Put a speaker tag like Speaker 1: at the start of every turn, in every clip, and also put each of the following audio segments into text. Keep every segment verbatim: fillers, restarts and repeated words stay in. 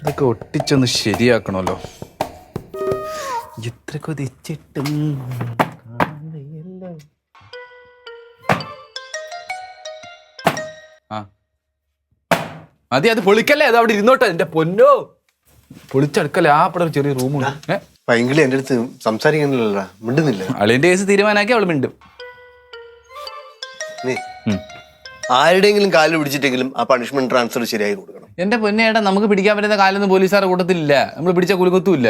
Speaker 1: ഇതൊക്കെ ഒട്ടിച്ചൊന്ന് ശരിയാക്കണമല്ലോ. എത്ര കൊതിച്ചിട്ടും ആ മതി, അത് പൊളിക്കല്ലേ, അത് അവിടെ ഇരുന്നോട്ടെ. എന്റെ പൊന്നോ, പൊളിച്ചെടുക്കല്ലേ. ആ അവിടെ ഒരു ചെറിയ റൂമുണ്ട്. ഏഹ്
Speaker 2: പൈങ്കിളി എന്റെ അടുത്ത് സംസാരിക്കുന്നില്ല, മിണ്ടുന്നില്ല.
Speaker 1: അളിയന്റെ കേസ് തീരുമാനാക്കി അവള് മിണ്ടും.
Speaker 2: നീ ആരുടെയെങ്കിലും കാലിൽ പിടിച്ചിട്ടെങ്കിലും ആ പണിഷ്മെന്റ് ട്രാൻസ്ഫർ ശരിയായി കൊടുക്കണം.
Speaker 1: എന്റെ പൊന്നേട്ടാ, നമുക്ക് പിടിക്കാൻ പറ്റുന്ന കാലൊന്നും പോലീസുകാരുടെ കൂട്ടത്തിലില്ല. നമ്മൾ പിടിച്ച കുലുക്കത്തുമില്ല.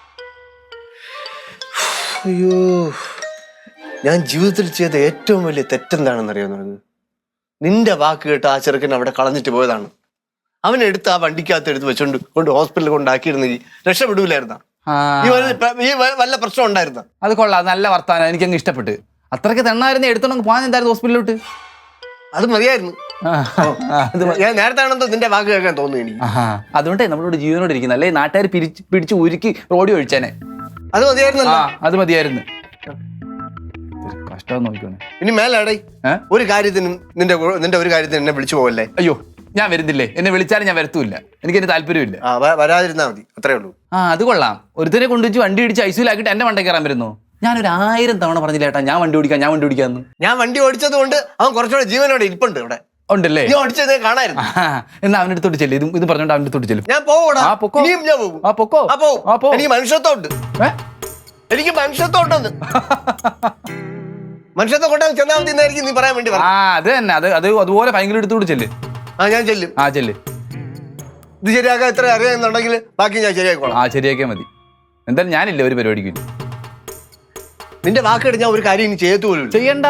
Speaker 2: അയ്യോ, ഞാൻ ജീവിതത്തിൽ ചെയ്ത ഏറ്റവും വലിയ തെറ്റെന്താണെന്ന് അറിയാവുന്നത്? നിന്റെ വാക്ക് കേട്ട് ആ ചെറുക്കൻ അവിടെ കളഞ്ഞിട്ട് പോയതാണ്. അവനെടുത്ത് ആ വണ്ടിക്കകത്ത് എടുത്ത് വെച്ചോണ്ട് കൊണ്ട് ഹോസ്പിറ്റലിൽ കൊണ്ടാക്കിയിരുന്നെങ്കിൽ രക്ഷപ്പെടൂലായിരുന്ന? ഈ വല്ല പ്രശ്നം ഉണ്ടായിരുന്ന?
Speaker 1: അത് കൊള്ളാം, നല്ല വർത്താനം, എനിക്കങ്ങ് ഇഷ്ടപ്പെട്ട്. അത്രയ്ക്ക് തെണ്ണായിരുന്നു എടുത്തോണ്ട് പോകാൻ എന്തായിരുന്നു ഹോസ്പിറ്റലിലോട്ട്?
Speaker 2: അത് മതിയായിരുന്നു. ഞാൻ നേരത്തെ ആണെന്തോ നിന്റെ വാക്ക് കേൾക്കാൻ തോന്നുന്നു എനിക്ക്.
Speaker 1: അതുകൊണ്ടേ നമ്മളോട് ജീവനോട് ഇരിക്കുന്ന, അല്ലെ നാട്ടുകാർ പിരിച്ച് പിടിച്ച് ഉരുക്കി റോഡി ഒഴിച്ചാനെ.
Speaker 2: അത് മതിയായിരുന്നു.
Speaker 1: അത് മതിയായിരുന്നു. കഷ്ടം നോക്കിക്കോണേ.
Speaker 2: ഇനി മേലാടേ ഒരു കാര്യത്തിനും നിന്റെ നിന്റെ ഒരു കാര്യത്തിന് എന്നെ വിളിച്ചു പോവല്ലേ.
Speaker 1: അയ്യോ, ഞാൻ വരുന്നില്ലേ, എന്നെ വിളിച്ചാലും ഞാൻ വരത്തുമില്ല. എനിക്ക് എന്റെ താല്പര്യമില്ല.
Speaker 2: വരാതിരുന്നാ മതി, അത്രേ ഉള്ളൂ.
Speaker 1: ആ അത് കൊള്ളാം. ഒരുത്തരെ കൊണ്ടുവച്ച് വണ്ടി ഇടിച്ച് ഐസിയിലാക്കിട്ട് എന്റെ മണ്ടേ കയറാൻ വരുന്നു. ഞാനൊരു ആയിരം തവണ പറഞ്ഞില്ല ഏട്ടാ, ഞാൻ വണ്ടി ഓടിക്കാം ഞാൻ വണ്ടി ഓടിക്കാന്ന്.
Speaker 2: ഞാൻ വണ്ടി ഓടിച്ചത് കൊണ്ട് അവൻ കുറച്ചുകൂടെ ജീവനോടെ ഇരിപ്പുണ്ട് ഇവിടെ.
Speaker 1: ഉണ്ടല്ലേ?
Speaker 2: ഓടിച്ചത് കാണായിരുന്നു.
Speaker 1: എന്നാ അവൻ്റെ അടുത്തോട്ട് ചെല്ലും. ഇത് ഇത് പറഞ്ഞോണ്ട് അവൻ്റെ അടുത്തോട്ട് ചെല്ലും.
Speaker 2: ഞാൻ പോകൂടാ.
Speaker 1: ആ പൊക്കോ.
Speaker 2: ഞാൻ പോകും.
Speaker 1: ആ പൊക്കോ.
Speaker 2: അപ്പോ എനിക്ക് മനുഷ്യത്വമുണ്ട്. എനിക്ക് മനുഷ്യത്വമുണ്ടെന്ന്. മനുഷ്യത്വം കൊണ്ടാൽ ചെന്നാ മതി എന്നായിരിക്കും നീ പറയാൻ വേണ്ടി.
Speaker 1: ആ അത് തന്നെ, അത് അത് അതുപോലെ ഭയങ്കര എടുത്തോട്ട് ചെല്ല്.
Speaker 2: ആ ഞാൻ ചെല്ലും.
Speaker 1: ആ ചെല്ല്.
Speaker 2: ഇത് ശരിയാക്കാൻ ഇത്ര അറിയാമെന്നുണ്ടെങ്കിൽ ബാക്കി ഞാൻ ശരിയാക്കോളാം.
Speaker 1: ആ ശരിയാക്കിയാൽ മതി. എന്തായാലും ഞാനില്ല ഒരു പരിപാടിക്ക്.
Speaker 2: നിന്റെ വാക്കെടുത്ത് ഞാൻ ഒരു കാര്യം ഇനി ചെയ്യത്തു പോലും
Speaker 1: ചെയ്യണ്ട.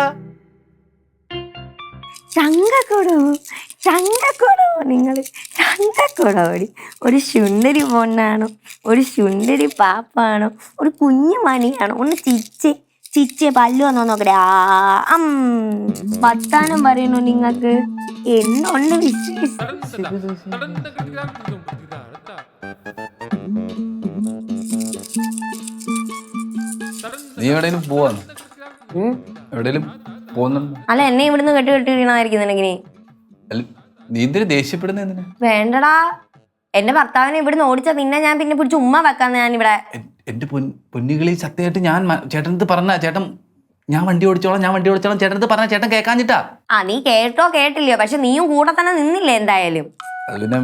Speaker 3: ചങ്കക്കൊടു ചങ്കക്കൊടു നിങ്ങൾ ചങ്കക്കൊടോടി. ഒരു ശുണ്ടരി പൊണ്ണാണോ, ഒരു ശുണ്ടരി പാപ്പാണോ, ഒരു കുഞ്ഞു മണിയാണോ? ഒന്ന് ചിച്ച് ചിച്ച് പല്ലു വന്നോ നോക്കട്ടെ. ആ വർത്താനം പറയണു നിങ്ങൾക്ക്. എന്തുണ്ട് വിശേഷം?
Speaker 1: നീ എവിടെയും പോവാന്ന്? എവിടെയും പോകുന്നുണ്ട്?
Speaker 3: അല്ല, എന്നെ ഇവിടുന്ന് കെട്ടി കെട്ടിയിരിക്കണമായിരിക്കും.
Speaker 1: നീ എന്തിനു ദേഷ്യപ്പെടുന്ന? എന്തിനാ?
Speaker 3: വേണ്ടടാ, എന്റെ ഭർത്താവിനെ ഇവിടുന്ന് ഓടിച്ച നിന്നെ ഞാൻ പിന്നെ പിടിച്ച് ഉമ്മ വെക്കാന്ന്. ഞാൻ ഇവിടെ
Speaker 1: എന്റെ പൊന്നുകളി സത്യമായിട്ട് ഞാൻ ചേട്ടനടുത്ത് പറഞ്ഞ, ചേട്ടൻ ഞാൻ വണ്ടി ഓടിച്ചോളാം ഞാൻ വണ്ടി ഓടിച്ചോളാം ചേട്ടനടുത്ത് പറഞ്ഞ ചേട്ടൻ കേൾക്കാഞ്ഞിട്ടാ.
Speaker 3: ആ നീ കേട്ടോ കേട്ടില്ലയോ, പക്ഷെ നീയും കൂടെ തന്നെ നിന്നില്ലേ എന്തായാലും.
Speaker 1: പിന്നെ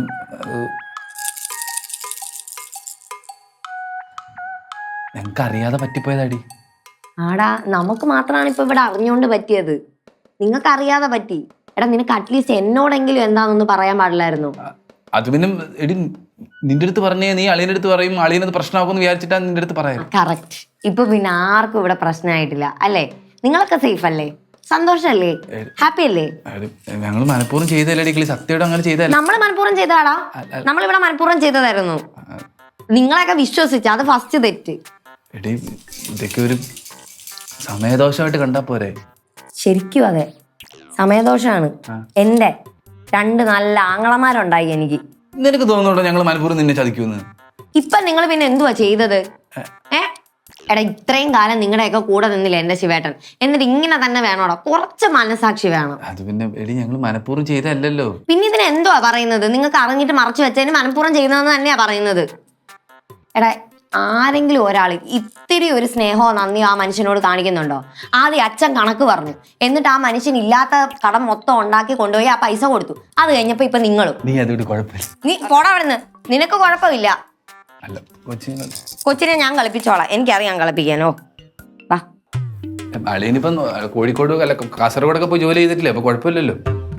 Speaker 1: ഞങ്ങക്ക് അറിയാതെ പറ്റിപ്പോയതാടി.
Speaker 3: ആടാ, നമുക്ക് മാത്രമാണ് ഇപ്പൊ ഇവിടെ അറിഞ്ഞോണ്ട് പറ്റിയത്. നിങ്ങൾക്ക് അറിയാതെ പറ്റി. എടാ, നിനക്ക് അറ്റ്ലീസ്റ്റ് എന്നോടെങ്കിലും എന്താണെന്നൊന്ന് പറയാൻ പാടില്ലായിരുന്നു?
Speaker 1: അത് പിന്നെ എടി നിന്റെ അടുത്ത് പറഞ്ഞേ, നീ അളിയന്റെ അടുത്ത് പറയും, അളിയനത് പ്രശ്നമാക്കുമെന്ന് വിചാരിച്ചിട്ടാ നിന്റെ അടുത്ത് പറയാം.
Speaker 3: കറക്റ്റ്. ഇപ്പൊ പിന്നെ ആർക്കും ഇവിടെ പ്രശ്നമായിട്ടില്ല അല്ലേ? നിങ്ങളൊക്കെ സേഫ് അല്ലേ? സന്തോഷല്ലേ? ഹാപ്പി അല്ലേ?
Speaker 1: ഞങ്ങൾ മനഃപൂർവ്വം ചെയ്തല്ലേ സത്യമായിട്ട് അങ്ങനെ ചെയ്തല്ലേ?
Speaker 3: നമ്മള് മനഃപൂർവ്വം ചെയ്തതാടാ. നമ്മളിവിടെ മനഃപൂർവ്വം ചെയ്തതായിരുന്നു. നിങ്ങളെയൊക്കെ വിശ്വസിച്ച അത് ഫസ്റ്റ് തെറ്റ്.
Speaker 1: എടി ഇതൊക്കെ ഒരു സമയദോഷമായിട്ട് കണ്ടാ പോരെ?
Speaker 3: ശരിക്കും അതെ, സമയദോഷമാണ്. എന്റെ രണ്ട് നല്ല ആങ്ങളമാരുണ്ടായി എനിക്ക്.
Speaker 1: നിനക്ക് തോന്നുന്നുണ്ടോ ഞങ്ങൾ മനഃപൂർവ്വം നിന്നെ ചതിക്കുമെന്ന്?
Speaker 3: ഇപ്പൊ നിങ്ങൾ പിന്നെ എന്തുവാ ചെയ്തത്? ഏ എടാ, ഇത്രയും കാലം നിങ്ങളുടെയൊക്കെ കൂടെ നിന്നില്ല എന്റെ ശിവേട്ടൻ. എന്നിട്ട് ഇങ്ങനെ തന്നെ വേണോടാ? കുറച്ച് മനസാക്ഷി വേണം.
Speaker 1: അത് പിന്നെ എടി ഞങ്ങൾ മനഃപൂർവ്വം ചെയ്തല്ലോ.
Speaker 3: പിന്നെ ഇതിന് എന്തുവാ പറയുന്നത്? നിങ്ങൾക്ക് അറിഞ്ഞിട്ട് മറച്ചു വെച്ചതിന് മനഃപൂർവ്വം ചെയ്യുന്നതെന്ന് തന്നെയാ പറയുന്നത്. എടാ, ആരെങ്കിലും ഒരാൾ ഇത്തിരി ഒരു സ്നേഹമോ നന്ദിയോ ആ മനുഷ്യനോട് കാണിക്കുന്നുണ്ടോ? ആദ്യം അച്ഛൻ കണക്ക് പറഞ്ഞു, എന്നിട്ട് ആ മനുഷ്യൻ ഇല്ലാത്ത കടം മൊത്തം ഉണ്ടാക്കി കൊണ്ടുപോയി ആ പൈസ കൊടുത്തു. അത് കഴിഞ്ഞപ്പോ ഇപ്പൊ നിങ്ങളും.
Speaker 1: നീ അതുകൊണ്ട് കുഴപ്പമില്ല.
Speaker 3: നീ പോടാ അവിടുന്ന്. നിനക്ക് കുഴപ്പമില്ല.
Speaker 1: അല്ല കൊച്ചിനെ
Speaker 3: കൊച്ചിനെ ഞാൻ കളിപ്പിച്ചോളാം. എനിക്കറിയാം കളിപ്പിക്കാനോ. വാ.
Speaker 1: അളിയനിപ്പം കോഴിക്കോട് അല്ല കാസർഗോഡൊക്കെ പോയി ജോലി ചെയ്തിട്ടില്ലേ? അപ്പൊ കുഴപ്പമില്ലല്ലോ.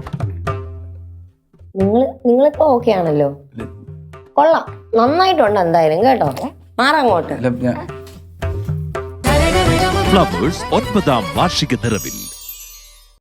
Speaker 3: നിങ്ങൾ നിങ്ങളിപ്പോ ഓക്കെ ആണല്ലോ? കൊള്ളാം, നന്നായിട്ടുണ്ട് എന്തായാലും കേട്ടോ. മാറങ്ങോട്ട്.
Speaker 4: ഫ്ലവേഴ്സ് ഒൻപതാം വാർഷിക നിറവിൽ